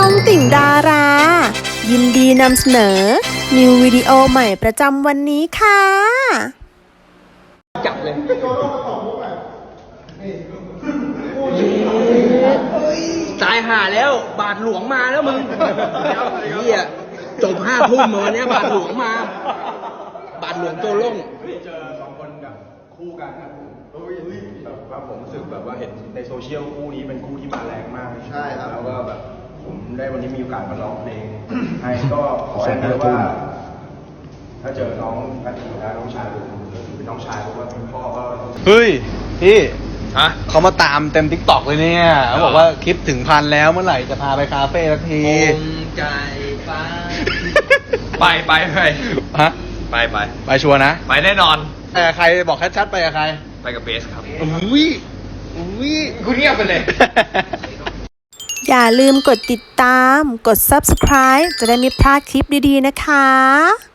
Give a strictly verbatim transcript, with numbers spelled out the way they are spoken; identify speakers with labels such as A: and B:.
A: องติ่งดารา ยินดีนำเสนอ นิววิดีโอใหม่ประจำวันนี้ค่ะ
B: จับเลยตายห่าแล้วบาทหลวงมาแล้วมึงเฮียจบห้าทุ่มวันนี้บาทหลวงมาบาทหลวงโจล่ง
C: เจอสองคนแบบคู่กันครับผมแบบว่าผมรู้สึกแบบว่าเห็นในโซเชียลคู่นี้เป็นคู่ที่มาแรงมากใช่ครับแล้วก็แบบผมได้วันนี้มีโอกาสมาร้องเพลงให้ก็ขออย่างเดียวว่า ถ้าเจอน้องกันทีนะน้องชายผมเป็นน้องชายเพราะว่าเป็นพ่อก็
D: เฮ้ยพี่
B: ฮะ
D: เขามาตามเต็มทิกตอกเลยเนี่ยเขาบอกว่าคลิปถึงพันแล้วเมื่อไหร่จะพาไปคาเฟ่สักที
B: องใจฟ้าไปไปไป
D: ฮะ
B: ไปไป
D: ไปชัวร์นะ
B: ไปแน่นอน
D: ไปกับใครบอกชัดๆไปกับใคร
B: ไปกับเบสครับ
D: อุ้ยอุ้ย
B: กูเงียบไปเลย
A: อย่าลืมกดติดตาม กด ซับสไครบ์ จะได้ไม่พลาดคลิปดีๆนะคะ